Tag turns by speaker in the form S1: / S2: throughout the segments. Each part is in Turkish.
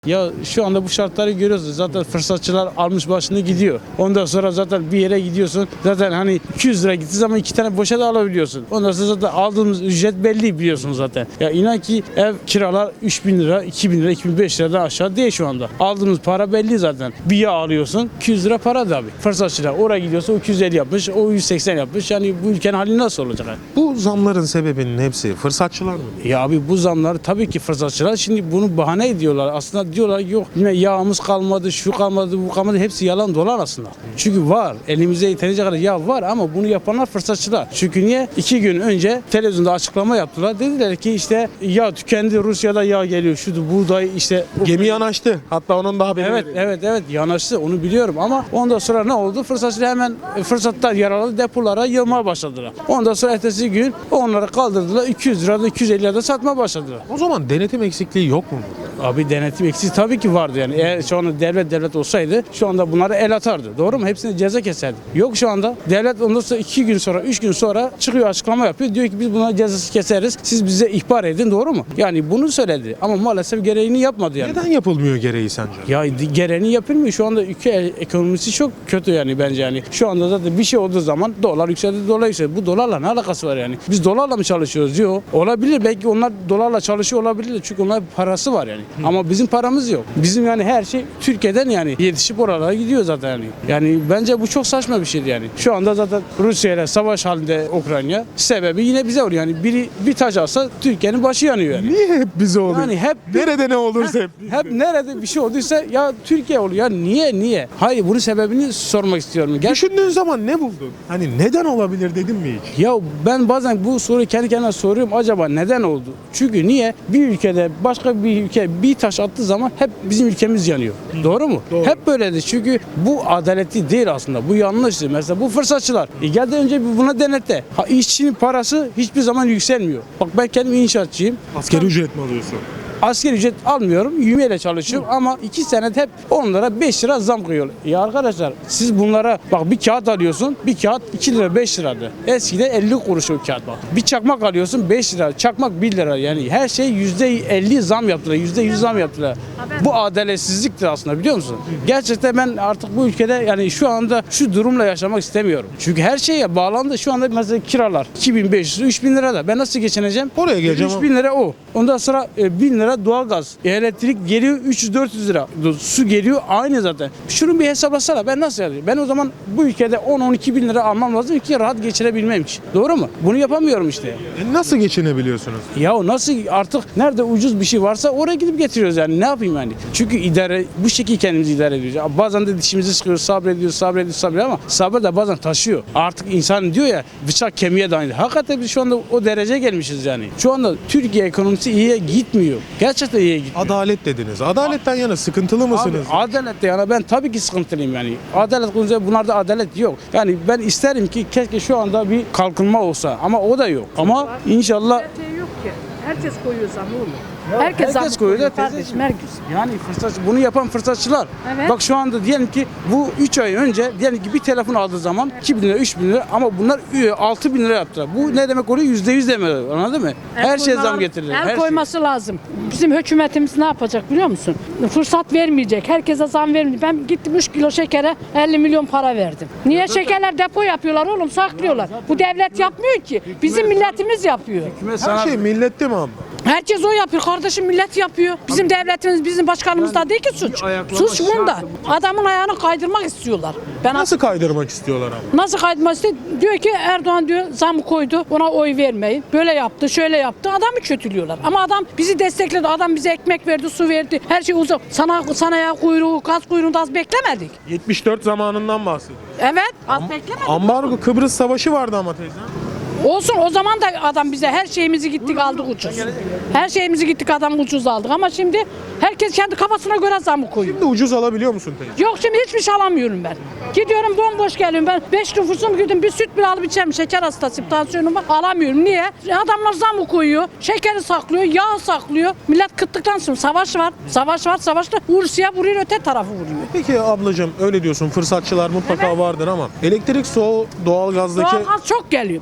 S1: Ya şu anda bu şartları görüyoruz. Zaten fırsatçılar almış başını gidiyor. Ondan sonra zaten bir yere gidiyorsun. Zaten hani 200 lira gittiği zaman 2 tane boşa da alabiliyorsun. Ondan sonra zaten aldığımız ücret belli biliyorsun zaten. Ya inan ki ev kiralar 3.000 lira, 2.000 lira, 2.500 liradan aşağı değil şu anda. Aldığımız para belli zaten. Bir yağ alıyorsun 200 lira para da abi. Fırsatçılar oraya gidiyorsa o 250 yapmış, o 180 yapmış. Yani bu ülkenin hali nasıl olacak? Yani?
S2: Bu zamların sebebinin hepsi fırsatçılar mı?
S1: Ya abi bu zamlar tabii ki fırsatçılar şimdi bunu bahane ediyorlar. Aslında diyorlar ki yok yine yağımız kalmadı, şu kalmadı, bu kalmadı. Hepsi yalan dolan aslında. Çünkü var. Elimizde yeterince kadar yağ var ama bunu yapanlar fırsatçılar. Çünkü niye? 2 gün önce televizyonda açıklama yaptılar. Dediler ki işte yağ tükendi, Rusya'da yağ geliyor. Şudu buğday işte.
S2: Gemi yanaştı. Hatta onun daha haberi
S1: Evet,
S2: verildi.
S1: evet yanaştı onu biliyorum ama ondan sonra ne oldu? Fırsatçılar hemen fırsattan yararlı depolara yığmaya başladılar. Ondan sonra ertesi gün onları kaldırdılar. 200 lirada 250 lirada satmaya başladılar.
S2: O zaman denetim eksikliği yok mu?
S1: Abi denetim eksiği tabii ki vardı yani. Eğer şu anda devlet olsaydı şu anda bunları el atardı. Doğru mu? Hepsine ceza keserdi. Yok şu anda. Devlet ondan sonra 2 gün sonra 3 gün sonra çıkıyor açıklama yapıyor. Diyor ki biz buna cezası keseriz. Siz bize ihbar edin. Doğru mu? Yani bunu söyledi. Ama maalesef gereğini yapmadı yani.
S2: Neden yapılmıyor gereği sence?
S1: Ya gereğini yapılmıyor. Şu anda ülke ekonomisi çok kötü yani bence yani. Şu anda zaten bir şey olduğu zaman dolar yükseldi, dolar yükseldi. Bu dolarla ne alakası var yani? Biz dolarla mı çalışıyoruz? Yok. Olabilir. Belki onlar dolarla çalışıyor olabilir. Çünkü onların parası var yani. Ama bizim paramız yok. Bizim yani her şey Türkiye'den yani yetişip oralara gidiyor zaten yani. Yani bence bu çok saçma bir şeydi yani. Şu anda zaten Rusya ile savaş halinde Ukrayna. Sebebi yine bize oluyor yani. Biri bir taş alsa Türkiye'nin başı yanıyor yani.
S2: Niye hep bize oluyor?
S1: Yani hep
S2: Nerede ne olursa hep.
S1: hep nerede bir şey olduysa ya Türkiye oluyor. Ya niye? Hayır bunun sebebini sormak istiyorum.
S2: Düşündüğün zaman ne buldun? Hani neden olabilir dedin mi hiç?
S1: Ya ben bazen bu soruyu kendi kendime soruyorum acaba neden oldu? Çünkü niye? Bir ülkede başka bir ülke bir taş attığı zaman hep bizim ülkemiz yanıyor. Doğru mu?
S2: Doğru.
S1: Hep böyledir. Çünkü bu adaletli değil aslında. Bu yanlıştır. Mesela bu fırsatçılar. Geldi önce buna denetle. İşçinin parası hiçbir zaman yükselmiyor. Bak ben kendim inşaatçıyım.
S2: Asgari ücret mi alıyorsun?
S1: Asgari ücret almıyorum, YÜME'yle çalışıyorum ama 2 senet hep onlara 5 lira zam koyuyorlar. Ya arkadaşlar siz bunlara bak bir kağıt alıyorsun, bir kağıt 2 lira 5 liradı. Eskiden 50 kuruş o kağıt bak. Bir çakmak alıyorsun 5 lira, çakmak 1 lira yani her şey %50 zam yaptılar, %100 zam yaptılar. Bu adaletsizliktir aslında biliyor musun? Gerçekten ben artık bu ülkede yani şu anda şu durumla yaşamak istemiyorum. Çünkü her şeye bağlandı. Şu anda mesela kiralar 2500, 3000 lira da ben nasıl geçineceğim?
S2: Oraya geleceğim
S1: 3000 lira o. Ondan sonra 1000 lira doğalgaz. Elektrik geliyor 300-400 lira. Su geliyor aynı zaten. Şunu bir hesaplasana ben nasıl yapayım? Ben o zaman bu ülkede 10-12 bin lira almam lazım ki rahat geçirebilmem için. Doğru mu? Bunu yapamıyorum işte.
S2: Nasıl geçinebiliyorsunuz?
S1: Ya nasıl artık nerede ucuz bir şey varsa oraya gidip getiriyoruz yani. Ne yapayım yani? Çünkü idare bu şekilde kendimizi idare ediyoruz. Ya bazen de dişimizi sıkıyoruz, sabrediyoruz ama sabır da bazen taşıyor. Artık insan diyor ya bıçak kemiğe dayanır. Hakikaten biz şu anda o dereceye gelmişiz yani. Şu anda Türkiye ekonomisi iyiye gitmiyor. Gerçekten iyiye gitmiyor.
S2: Adalet dediniz. Adaletten yana sıkıntılı mısınız?
S1: Abi, adalette yana ben tabii ki sıkıntılıyım yani. Adalet konusunda bunlarda adalet yok. Yani ben isterim ki keşke şu anda bir kalkınma olsa ama o da yok. Ama inşallah
S3: Şey yok ki. Herkes koyuyor zam oğlum.
S1: herkes
S3: zam
S1: koyuyor da
S3: kardeşim
S1: teyzeciğim.
S3: herkes.
S1: Yani bunu yapan fırsatçılar.
S3: Evet.
S1: Bak şu anda diyelim ki bu 3 ay önce diyelim ki bir telefon aldığı zaman 2 bin lira 3 bin lira ama bunlar 6 bin lira yaptılar. Bu ne demek oluyor? %100 demek. Anladın mı? Her şeye zam getirirler.
S3: El
S1: Her
S3: koyması lazım. Bizim hükümetimiz ne yapacak biliyor musun? Fırsat vermeyecek. Herkese zam vermeyecek. Ben gittim 3 kilo şekere 50 milyon para verdim. Niye şekerler depo yapıyorlar oğlum saklıyorlar. Bu devlet yapmıyor ki. Bizim milletimiz yapıyor.
S2: Her şey millette mi abla?
S3: Herkes o yapıyor. Kardeşim millet yapıyor. Bizim devletimiz, bizim başkanımız da değil ki suç.
S1: ayaklama
S3: Suç bunda. Adamın ayağını kaydırmak istiyorlar. Ben
S2: Nasıl kaydırmak istiyorlar abi?
S3: Nasıl kaydırmak istiyor? Diyor ki Erdoğan diyor zam koydu. Ona oy vermeyin. Böyle yaptı, şöyle yaptı. Adamı kötülüyorlar. Ama adam bizi destekledi. Adam bize ekmek verdi, su verdi. Her şey uzak. Sanayi kuyruğu, gaz kuyruğunda az beklemedik.
S2: 74 zamanından bahsediyor.
S3: Evet, az beklemedik.
S2: Ambargo Kıbrıs Savaşı vardı ama teyze.
S3: Olsun o zaman da adam bize her şeyimizi gittik aldık ucuz. Her şeyimizi gittik adam ucuz aldık ama şimdi herkes kendi kafasına göre zamı koyuyor.
S2: Şimdi ucuz alabiliyor musun teyze?
S3: Yok şimdi hiçbir şey alamıyorum ben. Gidiyorum bomboş geliyorum ben. 5 nüfusum gidiyorum bir süt bile alıp içerim. Şeker hastasıyım tansiyonum var. Alamıyorum. Niye? Adamlar zamı koyuyor. Şekeri saklıyor. Yağ saklıyor. Millet kıtlıktan sonra savaş var. Savaşta Rusya vuruyor öte tarafı vuruyor.
S2: Peki ablacığım öyle diyorsun fırsatçılar mutlaka vardır ama elektrik, su, doğalgazdaki
S3: Doğalgaz çok geliyor. Ben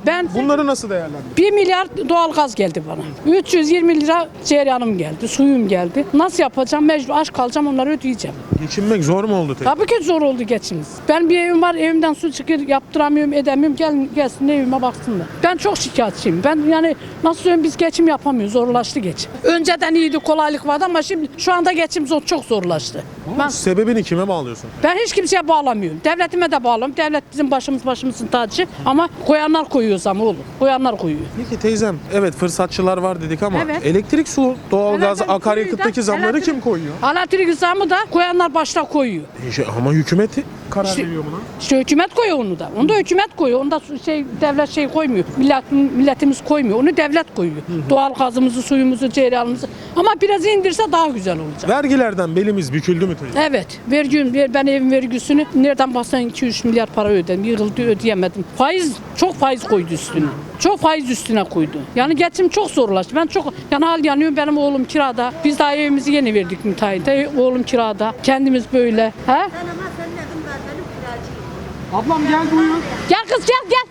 S2: Bunları nasıl değerlendiriyorsun?
S3: 1 milyar doğalgaz geldi bana. 320 lira cereyanım geldi, suyum geldi. Nasıl yapacağım? Mecbur aç kalacağım, onları ödeyeceğim.
S2: Geçinmek zor mu oldu teyze?
S3: Tabii ki zor oldu geçimiz. Ben bir evim var, evimden su çıkıyor, yaptıramıyorum, edemiyorum. Gelsin evime baksınlar. Ben çok şikayetçiyim. Ben yani nasıl söyleyeyim, biz geçim yapamıyoruz, zorlaştı geçim. Önceden iyiydi, kolaylık vardı ama şimdi şu anda geçim çok zorlaştı.
S2: Sebebini kime bağlıyorsun?
S3: Ben hiç kimseye bağlamıyorum. Devletime de bağlamıyorum. Devlet bizim başımızın tacı ama koyanlar koyuyor zam oğlum. Koyanlar koyuyor.
S2: Peki teyzem, evet fırsatçılar var dedik ama
S3: Evet.
S2: elektrik, su, doğalgaz,
S3: Evet,
S2: akaryakıttaki zamları kim koyuyor?
S3: Elektrik zamı da koyanlar başta koyuyor.
S2: Ama hükümet karar
S3: İşte-
S2: veriyor buna.
S3: İşte hükümet koyuyor onu da. Onu da hükümet koyuyor. Onu da devlet koymuyor. Milletimiz koymuyor. Onu devlet koyuyor. Doğal gazımızı, suyumuzu, cereyanımızı. Ama biraz indirse daha güzel olacak.
S2: Vergilerden belimiz büküldü mü teyze?
S3: Evet. Ben evin vergisini nereden baksan 2-3 milyar para ödedim. Yığıldı, ödeyemedim. Çok faiz koydu üstüne. Çok faiz üstüne koydu. Yani geçim çok zorlaştı. Ben çok hal yanıyorum. Benim oğlum kirada. Biz daha evimizi yeni verdik müteahhite. Oğlum kirada. Kendimiz böyle. He?
S2: Ablam gel buyur.
S3: Gel kız gel.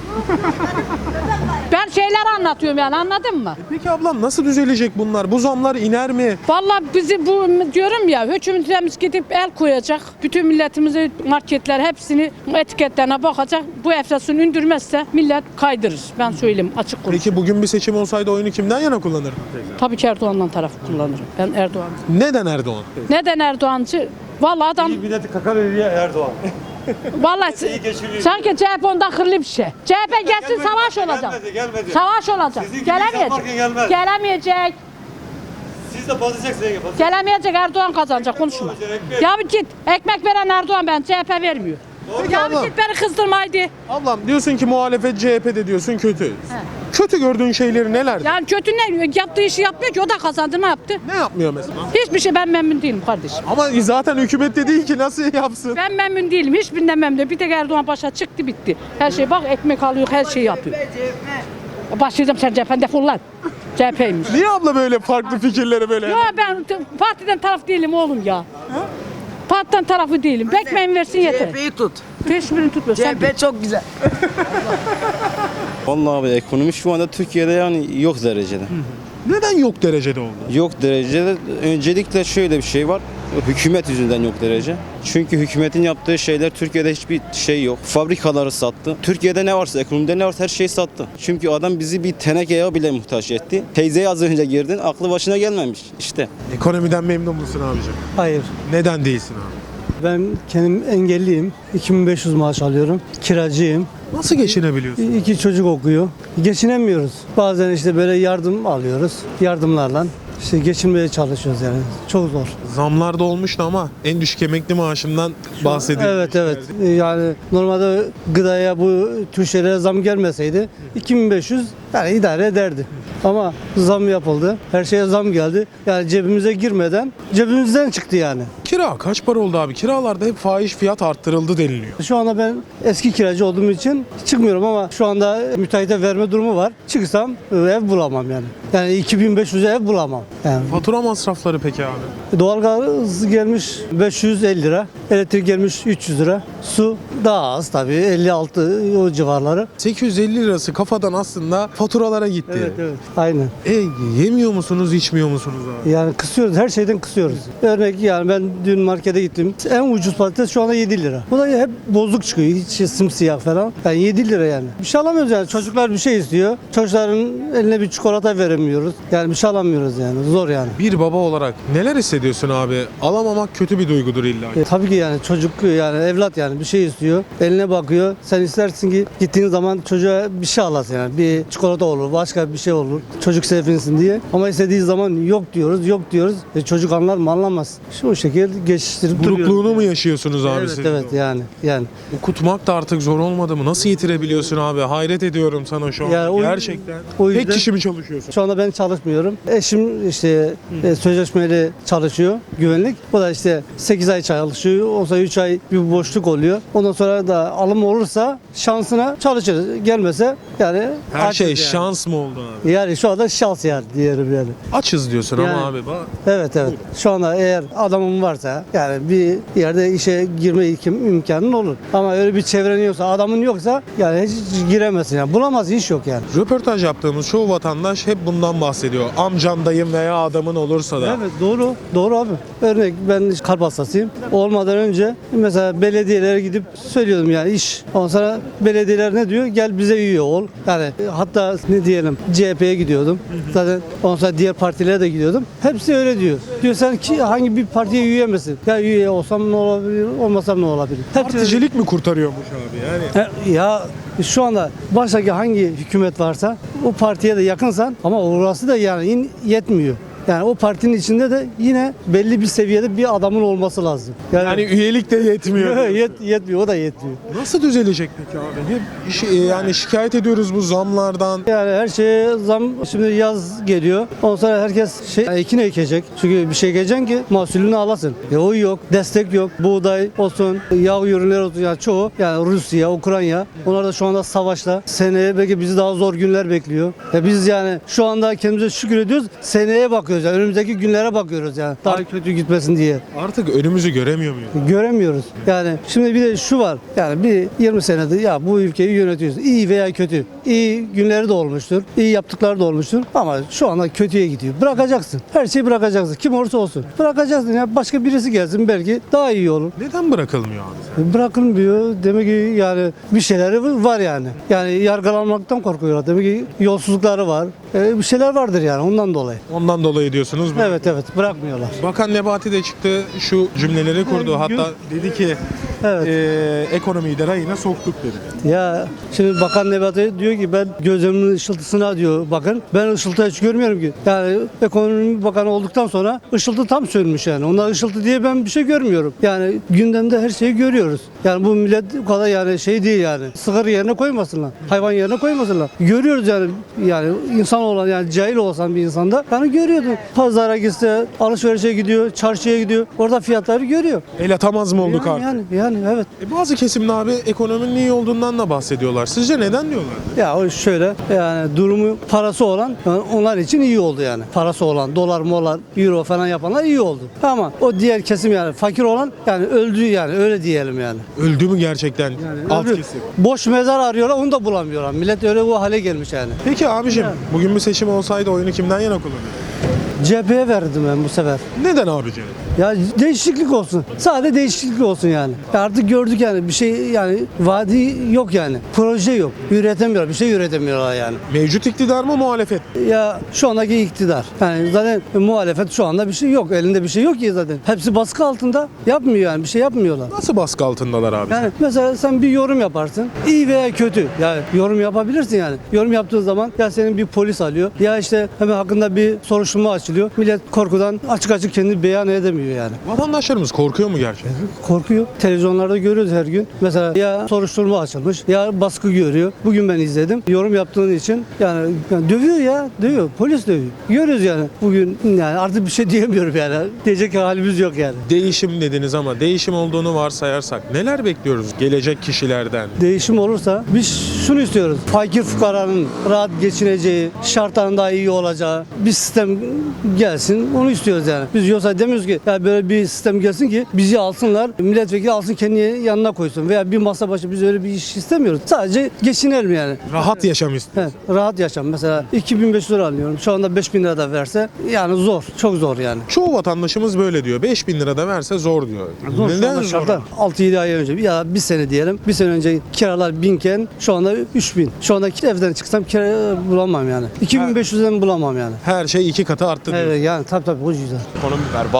S3: Ben şeyler anlatıyorum yani, anladın mı?
S2: Peki ablam nasıl düzelecek bunlar? Bu zamlar iner mi?
S3: Vallahi bizi bu diyorum ya, hükümetimiz gidip el koyacak. Bütün milletimizi, marketler hepsini etiketlerine bakacak. Bu enflasyonu indirmezse millet kaydırır. Ben söyleyeyim açık konuş.
S2: Peki bugün bir seçim olsaydı oyunu kimden yana kullanırdın teyze?
S3: Tabii ki Erdoğan'dan tarafı kullanırım. Ben Erdoğan.
S2: Neden Erdoğan?
S3: Neden Erdoğancı? Vallahi adam
S4: Milleti kakar ediyor Erdoğan.
S3: vallahi
S4: geçiriyor.
S3: sanki CHP onda akıllı bir şey. CHP gelsin, savaş olacak.
S4: Gelmedi.
S3: Savaş olacak.
S4: Sizin gibi
S3: Gelemeyecek.
S4: yaparken gelmez.
S3: Gelemeyecek.
S4: Siz de basacaksınız.
S3: Gelemeyecek, Erdoğan kazanacak, konuşma. Ya bir git, ekmek veren Erdoğan, ben CHP vermiyor. Ya bir
S2: abla.
S3: git beni kızdırma haydi.
S2: Ablam diyorsun ki muhalefet CHP'de diyorsun kötü. Kötü gördüğün şeyleri neler?
S3: Yani kötü ne? Yaptığı işi yapmıyor ki, o da kazandı, ne yaptı?
S2: Ne yapmıyor mesela?
S3: Hiçbir şey, ben memnun değilim kardeşim.
S2: Ama zaten hükümette değil ki nasıl yapsın?
S3: Ben memnun değilim, hiçbirinden memnun değilim. Bir tek Erdoğan başa çıktı, bitti. Her şey bak, ekmek alıyor, her şeyi yapıyor. Başlayacağım, sen CHP'den defol lan. CHP'ymiş.
S2: Niye abla böyle farklı fikirleri böyle?
S3: Ya ben partiden taraf değilim oğlum ya. Partiden tarafı değilim. Bekmeyin versin yeter.
S5: CHP'yi tut.
S3: Hiçbirini tutmuyor. Sen
S5: CHP çok güzel.
S6: Vallahi abi ekonomi şu anda Türkiye'de yani yok derecede.
S2: Neden yok derecede oldu?
S6: Yok derecede. Öncelikle şöyle bir şey var. Hükümet yüzünden yok derece. Çünkü hükümetin yaptığı şeyler Türkiye'de hiçbir şey yok. Fabrikaları sattı. Türkiye'de ne varsa, ekonomide ne varsa her şeyi sattı. Çünkü adam bizi bir tenekeye bile muhtaç etti. Teyzeye az önce girdin, aklı başına gelmemiş. İşte.
S2: Ekonomiden memnun musun abicim?
S7: Hayır.
S2: Neden değilsin abi?
S7: Ben kendim engelliyim. 2500 maaş alıyorum. Kiracıyım.
S2: Nasıl geçinebiliyorsun?
S7: 2 çocuk okuyor. Geçinemiyoruz. Bazen işte böyle yardım alıyoruz. Yardımlarla işte geçinmeye çalışıyoruz yani. Çok zor.
S2: Zamlar da olmuştu ama en düşük emekli maaşından bahsedildi.
S7: Evet. Yani normalde gıdaya bu tür şeylere zam gelmeseydi 2500 yani idare ederdi. Ama zam yapıldı. Her şeye zam geldi. Yani cebimize girmeden cebimizden çıktı yani.
S2: Kira kaç para oldu abi? Kiralarda hep fahiş fiyat arttırıldı deniliyor.
S7: Şu anda ben eski kiracı olduğum için çıkmıyorum ama şu anda müteahhite verme durumu var. Çıksam ev bulamam yani. Yani 2500'e ev bulamam. Yani
S2: Fatura masrafları peki abi?
S7: doğalgaz gelmiş 550 lira, elektrik gelmiş 300 lira, su daha az tabii 56 o civarları.
S2: 850 lirası kafadan aslında faturalara gitti.
S7: Evet. Aynen.
S2: Yemiyor musunuz, içmiyor musunuz abi?
S7: Yani kısıyoruz, her şeyden kısıyoruz. Örnek yani ben dün markete gittim. En ucuz patates şu anda 7 lira. Bu da hep bozuk çıkıyor. Hiç simsiyah falan. Yani 7 lira yani. Bir şey alamıyoruz yani. Çocuklar bir şey istiyor. Çocukların eline bir çikolata veremiyoruz. Yani bir şey alamıyoruz yani. Zor yani.
S2: Bir baba olarak neler hissediyorsun abi? Alamamak kötü bir duygudur illa.
S7: Tabii ki yani çocuk yani evlat yani bir şey istiyor. Eline bakıyor. Sen istersin ki gittiğin zaman çocuğa bir şey alasın yani. Bir çikolata olur, başka bir şey olur. Çocuk sevinsin diye. Ama istediği zaman yok diyoruz. Çocuk anlar mı anlamaz. Şu şekilde geçiştirip duruyoruz.
S2: Burukluğunu mu yaşıyorsunuz abi siz?
S7: Evet yani.
S2: Okutmak da artık zor olmadı mı? Nasıl yitirebiliyorsun abi? Hayret ediyorum sana şu an.
S7: Yani o-
S2: Gerçekten.
S7: o yüzden-
S2: Tek kişi mi çalışıyorsun?
S7: Şu anda anda ben çalışmıyorum. Eşim işte sözleşmeli çalışıyor, güvenlik. O da işte 8 ay çalışıyor. Olsa 3 ay bir boşluk oluyor. Ondan sonra da alım olursa şansına çalışır. Gelmese yani
S2: Her
S7: açız
S2: şey
S7: yani.
S2: şans mı oldu abi?
S7: Yani şu anda şans yani diyelim yani.
S2: Açız diyorsun
S7: Yani-
S2: ama abi.
S7: Evet. Şu anda eğer adamın varsa yani bir yerde işe girme imkanın olur. Ama öyle bir çevren yoksa, adamın yoksa yani hiç giremezsin yani. Bulamazsın, iş yok yani.
S2: Röportaj yaptığımız çoğu vatandaş hep bundan bahsediyor. Amcan, dayım veya adamın olursa da.
S7: Evet, doğru. Doğru abi. Örnek ben kalp hastasıyım. Olmadan önce mesela belediyelere gidip söylüyordum yani iş. Ondan sonra belediyeler ne diyor? Gel bize üye ol. Yani hatta ne diyelim CHP'ye gidiyordum. Zaten ondan sonra diğer partilere de gidiyordum. Hepsi öyle diyor. Diyor sen ki hangi bir partiye üye misin? Ya üye olsam ne olabilir, olmasam ne olabilir? Hepsi
S2: Particilik mi kurtarıyormuş abi yani?
S7: Ya şu anda baştaki hangi hükümet varsa o partiye de yakınsan ama orası da yani yetmiyor. Yani o partinin içinde de yine belli bir seviyede bir adamın olması lazım.
S2: Yani üyelik de yetmiyor.
S7: Yetmiyor, o da yetmiyor.
S2: Nasıl düzelecek peki abi? Hep yani şikayet ediyoruz bu zamlardan.
S7: Yani her şeye zam, şimdi yaz geliyor. Ondan sonra herkes ekin ekecek. Çünkü bir şey ekeceksin ki mahsulünü alasın. O yok, destek yok. Buğday olsun, yağ ürünleri olsun yani çoğu. Yani Rusya, Ukrayna. Onlar da şu anda savaşta. Seneye belki bizi daha zor günler bekliyor. Biz yani şu anda kendimize şükür ediyoruz. Seneye bakıyoruz. Yani önümüzdeki günlere bakıyoruz yani. Daha kötü gitmesin diye.
S2: Artık önümüzü göremiyor muyuz?
S7: Göremiyoruz. Yani şimdi bir de şu var. Yani bir 20 senedir ya bu ülkeyi yönetiyoruz. İyi veya kötü. İyi günleri de olmuştur. İyi yaptıkları da olmuştur. Ama şu anda kötüye gidiyor. Bırakacaksın. Her şeyi bırakacaksın. Kim olursa olsun. Bırakacaksın. Ya başka birisi gelsin belki daha iyi olur.
S2: Neden bırakılmıyor abi?
S7: Bırakılmıyor. Demek ki yani bir şeyleri var yani. Yani yargılanmaktan korkuyorlar. Demek ki yolsuzlukları var. Bir şeyler vardır yani ondan dolayı.
S2: Ondan dolayı diyorsunuz.
S7: Evet bırakmıyorlar.
S2: Bakan Nebati de çıktı şu cümleleri kurdu.
S7: Evet,
S2: Hatta dedi ki
S7: Evet.
S2: ekonomiyi de rayına soktuk dedi.
S7: Ya şimdi Bakan Nebati diyor ki ben gözümün ışıltısına diyor bakın. Ben ışıltı hiç görmüyorum ki. Yani ekonomi bakanı olduktan sonra ışıltı tam sönmüş yani. Onlar ışıltı diye ben bir şey görmüyorum. Yani gündemde her şeyi görüyoruz. Yani bu millet bu kadar yani şey değil yani. Sigara yerine koymasınlar. Hayvan yerine koymasınlar. Görüyoruz yani insan olan yani cahil olsan bir insanda yani görüyordu. Pazara gitse alışverişe gidiyor, çarşıya gidiyor. Orada fiyatları görüyor.
S2: El atamaz mı olduk artık?
S7: Yani evet.
S2: Bazı kesimde abi ekonominin iyi olduğundan da bahsediyorlar. Sizce neden diyorlar?
S7: Ya o şöyle yani durumu parası olan yani onlar için iyi oldu yani. Parası olan dolar, molar, euro falan yapanlar iyi oldu. Ama o diğer kesim yani fakir olan yani öldü yani öyle diyelim yani.
S2: Öldü mü gerçekten alt
S7: Öldü.
S2: kesim?
S7: Boş mezar arıyorlar onu da bulamıyorlar. Millet öyle bu hale gelmiş yani.
S2: Peki abicim bugün bir seçim olsaydı oyunu kimden yana kullanırdın?
S7: CHP'ye verdim ben bu sefer.
S2: Neden abicim?
S7: Ya değişiklik olsun. Sadece değişiklik olsun yani. Artık gördük yani bir şey yani vadi yok yani. Proje yok. Üretemiyorlar. Bir şey üretemiyorlar yani.
S2: Mevcut iktidar mı muhalefet?
S7: Ya şu andaki iktidar. Yani zaten muhalefet şu anda bir şey yok. Elinde bir şey yok ki zaten. Hepsi baskı altında. Yapmıyor yani. Bir şey yapmıyorlar.
S2: Nasıl baskı altındalar abi?
S7: Yani mesela sen bir yorum yaparsın. İyi veya kötü. Yani yorum yapabilirsin yani. Yorum yaptığın zaman ya senin bir polis alıyor. Ya işte hemen hakkında bir soruşturma açılıyor. Millet korkudan açık açık kendini beyan edemiyor yani.
S2: Vatandaşlarımız korkuyor mu gerçekten?
S7: Korkuyor. Televizyonlarda görüyoruz her gün. Mesela ya soruşturma açılmış ya baskı görüyor. Bugün ben izledim. Yorum yaptığın için yani dövüyor ya. Dövüyor. Polis dövüyor. Görüyoruz yani. Bugün yani artık bir şey diyemiyorum yani. Diyecek halimiz yok yani.
S2: Değişim dediniz ama değişim olduğunu varsayarsak neler bekliyoruz gelecek kişilerden?
S7: Değişim olursa biz şunu istiyoruz. Fakir fukaranın rahat geçineceği, şartların daha iyi olacağı bir sistem gelsin. Onu istiyoruz yani. Biz yoksa demiyoruz ki ya böyle bir sistem gelsin ki bizi alsınlar, milletvekili alsın kendi yanına koysun veya bir masa başı biz öyle bir iş istemiyoruz. Sadece geçinelim yani.
S2: Rahat yaşam istiyoruz.
S7: Rahat yaşam. Mesela 2500 lira alıyorum. Şu anda 5000 lira da verse yani zor. Çok zor yani.
S2: Çoğu vatandaşımız böyle diyor. 5.000 lira da verse zor diyor.
S7: Zor şu
S2: Neden
S7: anda
S2: zor?
S7: şartlar. 6-7 ay önce ya bir sene diyelim. Bir sene önce kiralar 1000 iken şu anda 3000. Şu anda evden çıksam kira bulamam yani. 2500'den bulamam yani.
S2: Her şey 2 katı arttı diyor.
S7: Evet yani tabii o yüzden.
S5: Ekonomi berbat ya.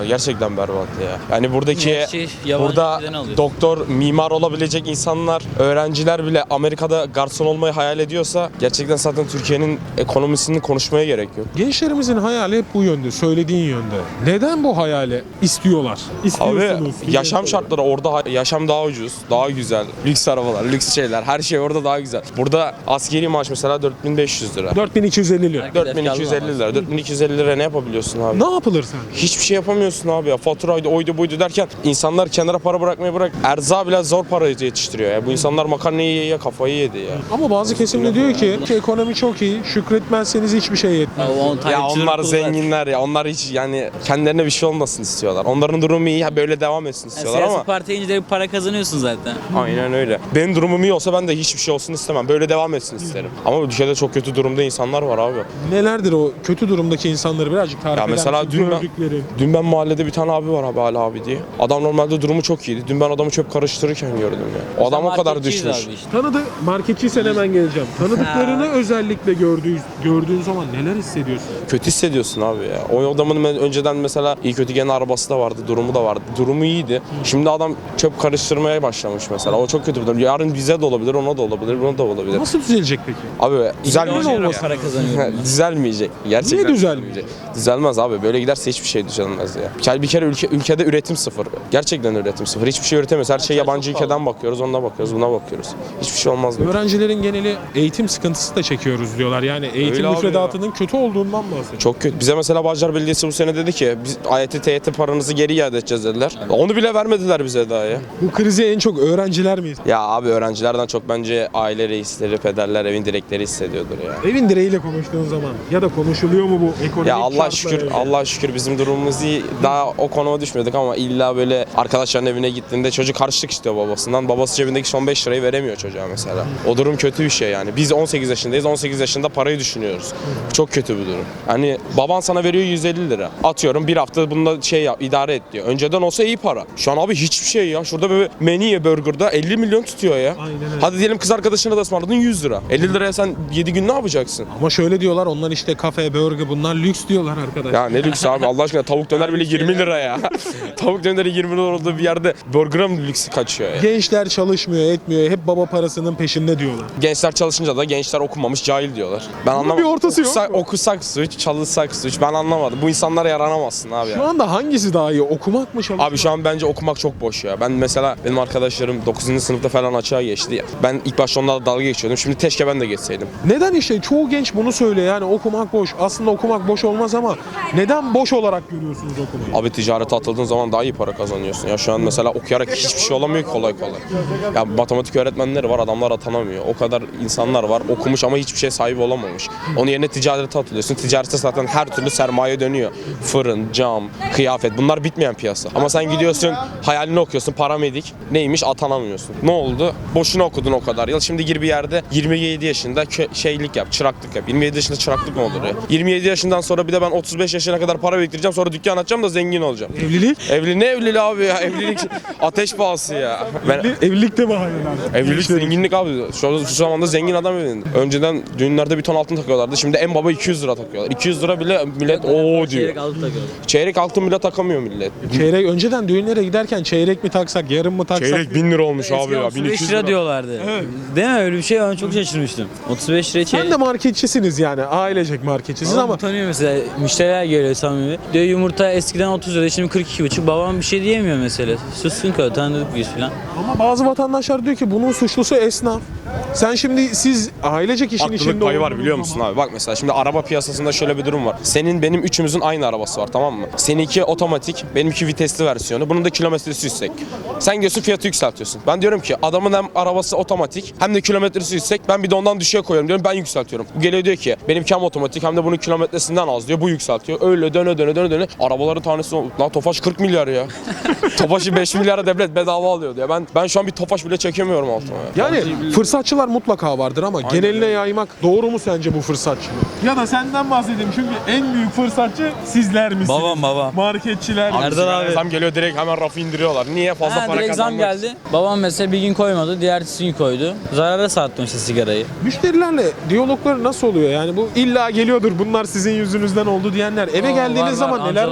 S5: Gerçekten berbat ya. Yani buradaki
S8: Her şey yabancı
S5: burada
S8: ülkeden alıyor.
S5: doktor, mimar olabilecek insanlar, öğrenciler bile Amerika'da garson olmayı hayal ediyorsa gerçekten zaten Türkiye'nin ekonomisini konuşmaya gerek yok.
S2: Gençlerimizin hayali hep bu yönde, söylediğin yönde. Neden bu hayali istiyorlar?
S5: Abi
S2: İstiyorsunuz.
S5: yaşam şartları orada yaşam daha ucuz, daha güzel. Lüks arabalar, lüks şeyler, her şey orada daha güzel. Burada askeri maaş mesela 4500 lira.
S2: 4250 lira.
S5: 4250 lira. 4250 lira ne yapabiliyorsun abi?
S2: Ne yapılır sen?
S5: Hiçbir şey yapamıyorsun abi ya. Faturaydı, oydu buydu derken insanlar kenara para bırakmayı bırak. Erza bile zor para yetiştiriyor ya. Bu insanlar makarnayı yiye kafayı yedi ya.
S2: Ama bazı kesimde diyor ki ekonomi çok iyi, şükretmezseniz hiçbir şey yetmez.
S5: Ya onlar zenginler ya. Onlar hiç yani kendilerine bir şey olmasın istiyorlar. Onların durumu iyi, böyle devam etsin istiyorlar
S8: Siyasi
S5: ama
S8: partiye ince de bir para kazanıyorsun zaten.
S5: aynen öyle. Benim durumum iyi olsa ben de hiçbir şey olsun istemem. Böyle devam etsin isterim. Ama ülkede çok kötü durumda insanlar var abi.
S2: Nelerdir o kötü durumdaki insanları birazcık tarif
S5: Ya
S2: eder
S5: mesela
S2: misin? Gördükleri.
S5: dün ben mahallede bir tane abi var abi Ali abi diye. Adam normalde durumu çok iyiydi. Dün ben adamı çöp karıştırırken gördüm ya. O adam o kadar
S8: Marketçiyiz
S5: düşmüş.
S8: abi işte.
S2: Tanıdı, marketçiysen hemen geleceğim. Tanıdıklarını özellikle gördüğün zaman neler hissediyorsun?
S5: Kötü hissediyorsun abi ya. O adamın önceden mesela iyi kötü gene arabası da vardı, durumu da vardı. Durumu iyiydi. Şimdi adam çöp karıştırmaya başlamış mesela. O çok kötü bir durum. Yarın bize de olabilir, ona da olabilir, buna da olabilir.
S2: Nasıl düzelecek peki?
S5: Abi
S8: Milyon
S5: düzelmeyecek.
S8: lira para kazanıyorum ben.
S5: Düzelmeyecek. Gerçekten
S2: Niye düzelmeyecek?
S5: Düzelmez abi. Böyle giderse hiçbir şey düzelmez ya. Bir kere ülkede üretim sıfır. Gerçekten üretim sıfır. Hiçbir şey üretemiyoruz. Her şey yabancı ülkeden bakıyoruz, ona bakıyoruz, buna bakıyoruz. Hiçbir şey olmaz.
S2: Öğrencilerin geneli eğitim sıkıntısı da çekiyoruz diyorlar. Yani eğitim
S5: Öyle abi
S2: müfredatının kötü olduğundan bahsediyor.
S5: Çok kötü. Bize mesela Bağcılar Belediyesi bu sene dedi ki biz AYT, TYT paranızı geri iade edeceğiz dediler. Onu bile vermediler bize daha ya.
S2: Bu krizi en çok öğrenciler mi?
S5: Ya abi öğrencilerden çok bence aile reisleri, pederler, evin direkleri hissediyordur ya.
S2: Evin direğiyle konuştuğun zaman ya da konuşuluyor mu bu ekonomik
S5: Ya Allah
S2: şartlar
S5: şükür,
S2: öyle?
S5: Allah şükür bizim durumumuz iyi. Daha o konuma düşmedik ama illa böyle arkadaşların evine gittiğinde çocuk harçlık istiyor babasından. Babası cebindeki son 5 lirayı veremiyor çocuğa mesela. O durum kötü bir şey yani. Biz 18 yaşındayız. 18 yaşında parayı düşünüyoruz. Çok kötü bir durum. Hani baban sana veriyor 150 lira. Atıyorum bir hafta bunda şey yap, idare et diyor. Önceden olsa iyi para. Şu an abi hiçbir şey ya. Şurada böyle menüye burgerda 50 milyon tutuyor ya.
S2: Aynen öyle.
S5: Hadi diyelim kız arkadaşına da ısmarladın 100 lira. 50 liraya sen 7 gün ne yapacaksın?
S2: Ama şöyle diyorlar, onlar işte kafe, burger, bunlar lüks diyorlar arkadaş.
S5: Ya ne lüks abi Allah aşkına, tavuk döner bile 20 lira ya. Tavuk döneri 20 lira olduğu bir yerde burger'a mı lüksü kaçıyor ya?
S2: Gençler çalışmıyor, etmiyor. Hep baba parasının peşinde diyorlar.
S5: Gençler çalışınca da gençler okumamış cahil diyorlar. Ben anlamadım.
S2: bir ortası yok mu?
S5: Okusak suç, çalışsak suç. Ben anlamadım. Bu insanlara yaranamazsın abi
S2: Şu
S5: ya.
S2: anda hangisi daha iyi? Okumak mı, çalışmak?
S5: Abi şu an bence okumak çok boş ya. Ben mesela benim arkadaşlarım 9. sınıfta falan açığa geçti ya. Ben ilk başta onlarla dalga geçiyordum. Şimdi keşke ben de geçseydim.
S2: Neden işte çoğu genç bunu söylüyor, yani okumak boş. Aslında okumak boş olmaz ama neden boş olarak görüyorsunuz okumayı?
S5: Abi ticarete atıldığın zaman daha iyi para kazanıyorsun. Ya şu an mesela okuyarak hiçbir şey olamıyor ki kolay kolay. Ya matematik öğretmenleri var, adamlar atanamıyor. O kadar insanlar var okumuş ama hiçbir şey sahibi olamamış. Onun yerine ticarete atılıyorsun. Ticarette zaten her türlü sermaye dönüyor. Fırın, cam, kıyafet, bunlar bitmeyen piyasa. Ama sen gidiyorsun hayalini okuyorsun, paramedik. Neymiş, atanamıyorsun. Ne oldu? Boşuna okudun o kadar yıl. Şimdi gir bir yerde 27 yaşında şeylik yap, çıraklık yap. 27 yaşında çıraklık mı olur ya? 27 yaşından sonra bir de ben 35 yaşına kadar para biriktireceğim, sonra dükkan açacağım da zengin olacağım.
S2: Evlilik?
S5: Ne evliliği abi ya? Evlilik ateş pahası ya. Ben
S2: Evlilikte mi hayal?
S5: evlilik zenginlik abi. Şu zamanda zengin adam evlendi. Önceden düğünlerde bir ton altın takıyorlardı. Şimdi en baba 200 lira takıyorlar. 200 lira bile millet ooo diyor.
S8: Çeyrek altın takıyorlar.
S5: Çeyrek altın bile takamıyor millet.
S2: Çeyrek, önceden düğünlere giderken çeyrek mi taksak, yarım mı taksak?
S5: Çeyrek 1000 lira olmuş abi ya.
S8: 35
S5: 1200
S8: lira diyorlardı. Değil mi? Öyle bir şey, ben çok şaşırmıştım. 35 lira çeyrek.
S2: Sen de marketçisiniz yani, ailecek marketçisiniz
S8: Babam
S2: ama
S8: utanıyor mesela. Müşteriler geliyor samimi. Diyor yumurta eskiden 30 lira, şimdi 42,5. Babam bir şey diyemiyor mesela. Sussun ki tanıdık biz falan.
S2: ama bazı vatandaşlar diyor ki bunun suçlusu esnaf. Sen şimdi siz ailecek işin
S5: Haklılık
S2: içinde
S5: payı var
S2: olduğunuz
S5: biliyor musun
S2: zaman-
S5: abi? Bak mesela şimdi araba piyasasında şöyle bir durum var. Senin benim üçümüzün aynı arabası var, tamam mı? Seninki otomatik, benimki vitesli versiyonu. Bunun da kilometresi yüksek. Sen diyorsun fiyatı yükseltiyorsun. Ben diyorum ki adamın hem arabası otomatik hem de kilometresi yüksek. Ben bir de ondan düşüğe koyuyorum diyorum, ben yükseltiyorum. Bu geliyor diyor ki benimki hem otomatik hem de bunun kilometresinden az diyor. Bu yükseltiyor. Öyle döne. Arabaların tanesi lan Tofaş 40 milyar ya. Tofaş'ı 5 milyara devlet bedava alıyordu ya. Ben şu an bir Tofaş bile çekemiyorum altıma ya.
S2: Yani fırsatçılar mutlaka vardır ama geneline yaymak doğru mu sence bu fırsatçılık? Ya da senden bahsedeyim çünkü en büyük fırsatçı sizler misiniz?
S8: Babam.
S2: Marketçiler.
S8: Erdal abi.
S5: Zam geliyor direkt hemen rafı indiriyorlar. Niye? Fazla para
S8: Direkt zam
S5: kazanmak için.
S8: geldi. Babam mesela bir gün koymadı, diğer gün koydu. Zarara sattım işte sigarayı.
S2: Müşterilerle diyalogları nasıl oluyor? Yani bu illa geliyordur bunlar sizin yüzünüzden oldu diyenler. Eve geldiğiniz zaman neler
S8: amcalar var.
S2: konuşuyorsunuz?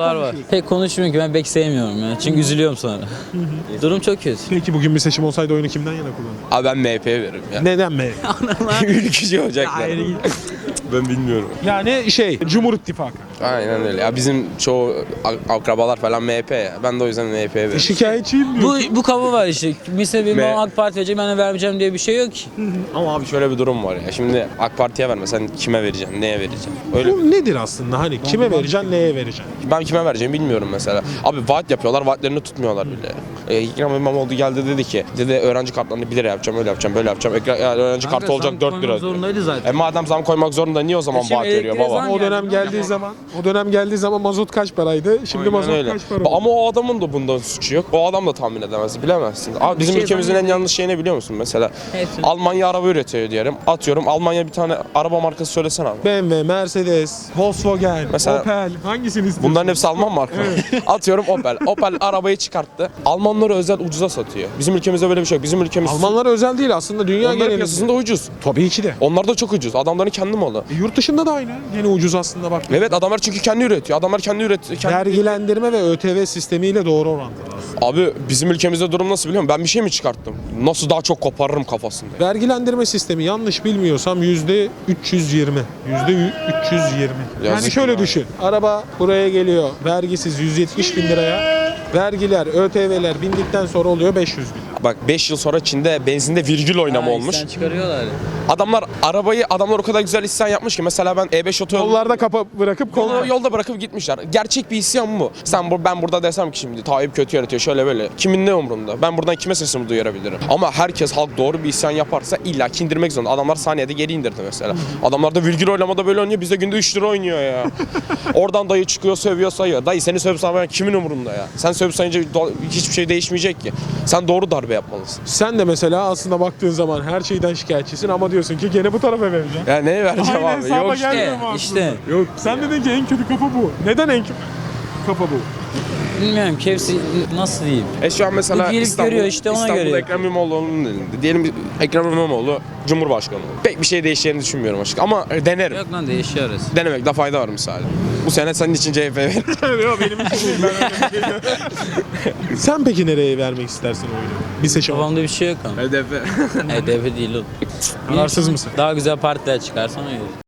S8: Pek konuşmuyorum ki ben pek sevmiyorum ya. Çünkü üzülüyorum sonra. Durum çok kötü.
S2: Peki bugün bir seçim olsaydı oyunu kimden yana kullanırdın?
S5: Abi ben MHP'ye veririm ya.
S2: Neden mi?
S5: Ülkücü olacaklar. Ben bilmiyorum.
S2: Yani Cumhur İttifakı.
S5: Aynen öyle. Ya bizim çoğu akrabalar falan MHP ya. Ben de o yüzden MHP'ye veririm.
S2: Şikayetçiyim diyor.
S8: Bu kafa var işte. Mesela benim babam AK Parti verecek, ben de vermeyeceğim diye bir şey yok ki.
S5: Ama abi şöyle bir durum var ya. Şimdi AK Parti'ye verme. Sen kime vereceksin? Neye vereceksin? Öyle
S2: Bu nedir aslında? Hani kime vereceksin, neye vereceksin?
S5: Ben kime vereceğimi bilmiyorum mesela. Abi vaat yapıyorlar, vaatlerini tutmuyorlar bile. Ekrem İmamoğlu geldi dedi ki, öğrenci kartlarını 1 lira yapacağım, öyle yapacağım, böyle yapacağım. Yani öğrenci kartı olacak 4 lira.
S8: Zorundaydı zaten.
S5: Madem zam koymak zorunda niye o zaman
S8: Şimdi
S5: vaat veriyor
S8: elektriğe
S5: baba?
S8: zam
S2: O dönem geldiği zaman mazot kaç paraydı? Şimdi
S5: Aynen
S2: mazot
S5: öyle.
S2: kaç para oldu?
S5: Ama o adamın da bundan suçu yok. O adam da tahmin edemez, bilemezsin. Abi bizim
S8: şey
S5: ülkemizin en
S8: zannediyor.
S5: yanlış şey ne biliyor musun mesela?
S8: Hepsini.
S5: Almanya araba üretiyor diyelim. Atıyorum Almanya bir tane araba markası söylesene abi.
S2: BMW, Mercedes, Volkswagen,
S5: Mesela-
S2: Opel hangisini istiyorsun?
S5: Bunların hepsi Alman marka. Atıyorum Opel. Opel arabayı çıkarttı. Almanlara özel ucuza satıyor. Bizim ülkemizde böyle bir şey yok. Bizim ülkemiz
S2: Almanlara özel değil aslında dünya
S5: onların
S2: genelinde.
S5: piyasasında ucuz.
S2: Tabii ki de.
S5: Onlar da çok ucuz. Adamların kendi malı.
S2: Yurt dışında da aynı. Gene ucuz aslında bak.
S5: Evet adamlar çünkü kendi üretiyor. Adamlar kendi üretiyor.
S2: Vergilendirme ve ÖTV sistemiyle doğru orantılı aslında.
S5: Abi bizim ülkemizde durum nasıl biliyor musun? Ben bir şey mi çıkarttım? Nasıl daha çok koparırım kafasında.
S2: Vergilendirme sistemi yanlış bilmiyorsam %320. %320. Yani
S5: Yazık
S2: şöyle
S5: ya.
S2: düşün. Araba buraya geliyor vergisiz 170 bin liraya. Vergiler, ÖTV'ler bindikten sonra oluyor 500 bin lira.
S5: Bak 5 yıl sonra Çin'de benzinde virgül oynama olmuş.
S8: Sen çıkarıyorlar.
S5: Adamlar o kadar güzel isyan yapmış ki mesela ben E5 otoyolu
S2: Yollarda kapa bırakıp
S5: yolda bırakıp gitmişler. Gerçek bir isyan bu. Ben burada desem ki şimdi Tayyip kötü yönetiyor şöyle böyle. Kimin ne umurunda? Ben buradan kime sesimi duyurabilirim? Ama halk doğru bir isyan yaparsa illa ki indirmek zorunda. Adamlar saniyede geri indirdi mesela. Adamlar da virgül oylamada böyle oynuyor. Bizde günde 3 lira oynuyor ya. Oradan dayı çıkıyor sövüyor sayıyor. Dayı seni sövüp saymayan kimin umurunda ya? Sen sövüp sayınca hiçbir şey değişmeyecek ki. Sen doğru darbe yapmalısın.
S2: Sen de mesela aslında baktığın zaman her şeyden şikayetçisin ama diyorsun ki gene bu tarafa vereceğim.
S5: Ya neye vereceğim
S2: Aynen,
S5: abi?
S2: hesaba
S5: Yok işte.
S2: gelmiyor mu aslında?
S8: işte.
S2: Yok sen dedin ki en kötü kafa bu. Neden en kötü kafa bu?
S8: Bilmiyorum ki hepsi nasıl diyeyim.
S5: Şu an mesela
S8: Bu gelip görüyor işte, ona
S5: İstanbul'da
S8: göre
S5: Ekrem İmamoğlu'nun elinde. Diyelim Ekrem İmamoğlu Cumhurbaşkanı. Pek bir şey değişeceğini düşünmüyorum açık ama denerim.
S8: Yok lan değişiyor arası.
S5: Denemekte fayda var misali. Bu sene senin için CHP ver.
S2: Yok benim için değil. Sen peki nereye vermek istersin oyunu? Bir seçim.
S8: Kafamda bir şey yok ama.
S5: HDP.
S8: HDP değil oğlum.
S2: Kararsız mısın?
S8: Daha güzel partiler çıkarsan öyle.